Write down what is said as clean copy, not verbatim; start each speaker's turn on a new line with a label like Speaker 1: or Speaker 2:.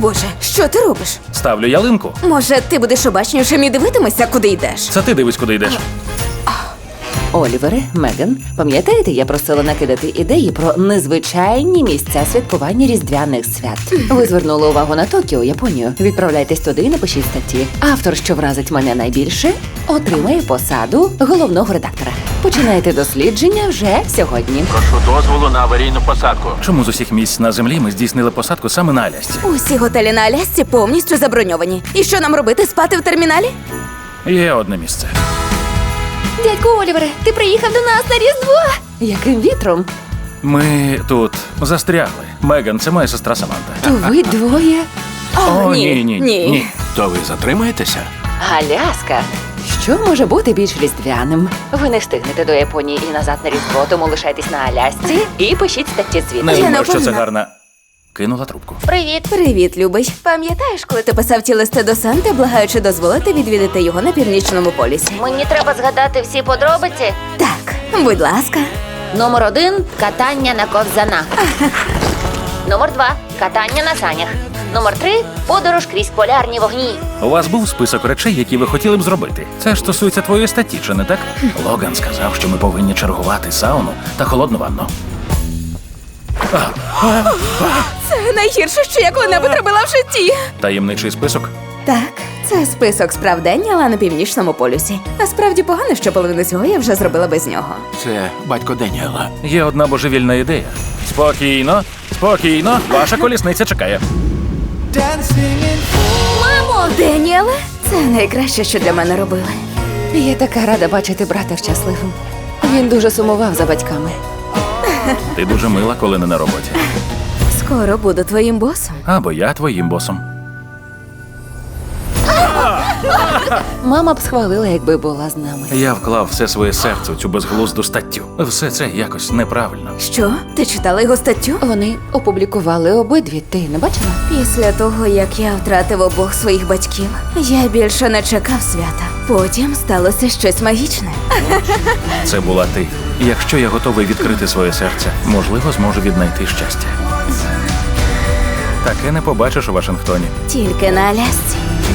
Speaker 1: Боже, що ти робиш?
Speaker 2: Ставлю ялинку.
Speaker 1: Може, ти будеш обачнішим і дивитимешся, куди йдеш?
Speaker 2: Це ти дивись, куди йдеш.
Speaker 3: Олівере, Меган, пам'ятаєте, я просила накидати ідеї про незвичайні місця святкування різдвяних свят. Ви звернули увагу на Токіо, Японію. Відправляйтесь туди і напишіть статті. Автор, що вразить мене найбільше, отримає посаду головного редактора. Починайте дослідження вже сьогодні.
Speaker 4: Прошу дозволу на аварійну посадку.
Speaker 2: Чому з усіх місць на землі ми здійснили посадку саме на Алясці?
Speaker 1: Усі готелі на Алясці повністю заброньовані. І що нам робити, спати в терміналі?
Speaker 2: Є одне місце.
Speaker 3: Дядьку Олівере, ти приїхав до нас на Різдво! Яким вітром?
Speaker 2: Ми тут застрягли. Меган, це моя сестра Саманта.
Speaker 3: То ви двоє?
Speaker 2: О, ні.
Speaker 4: То ви затримаєтеся?
Speaker 3: Аляска. Що може бути більш різдвяним? Ви не встигнете до Японії і назад на Різдво, тому лишайтесь на Алясці і пишіть статті звідти.
Speaker 2: Не
Speaker 1: Я
Speaker 2: думаю, що це
Speaker 1: напевно.
Speaker 2: гарна. Кинула трубку.
Speaker 3: Привіт.
Speaker 1: Привіт, любий. Пам'ятаєш, коли ти писав ті листи до Санти, благаючи дозволити відвідати його на Північному полюсі?
Speaker 5: Мені треба згадати всі подробиці.
Speaker 1: Так, будь ласка.
Speaker 5: Номер 1 – катання на ковзанах. Номер 2 – катання на санях. Номер 3 – подорож крізь полярні вогні.
Speaker 2: У вас був список речей, які ви хотіли б зробити. Це ж стосується твоєї статті, чи не так? Логан сказав, що ми повинні чергувати сауну та холодну ванну.
Speaker 1: Це найгірше, що я коли-небудь робила в житті.
Speaker 2: Таємничий список?
Speaker 1: Так, це список справ день, але на Північному полюсі. Насправді погано, що половину цього я вже зробила без нього.
Speaker 4: Це батько Деніела.
Speaker 2: Є одна божевільна ідея. Спокійно, спокійно, ваша колісниця чекає.
Speaker 1: Мамо! Деніеле? Це найкраще, що для мене робили.
Speaker 3: Я така рада бачити брата щасливим. Він дуже сумував за батьками.
Speaker 2: Ти дуже мила, коли не на роботі.
Speaker 1: Скоро буду твоїм босом.
Speaker 2: Або я твоїм босом.
Speaker 3: Мама б схвалила, якби була з нами.
Speaker 2: Я вклав все своє серце у цю безглузду статтю. Все це якось неправильно.
Speaker 1: Що? Ти читала його статтю?
Speaker 3: Вони опублікували обидві. Ти не бачила?
Speaker 1: Після того, як я втратив обох своїх батьків, я більше не чекав свята. Потім сталося щось магічне.
Speaker 2: Це була ти. І якщо я готовий відкрити своє серце, можливо, зможу віднайти щастя. Таке не побачиш у Вашингтоні.
Speaker 1: Тільки на Алясці.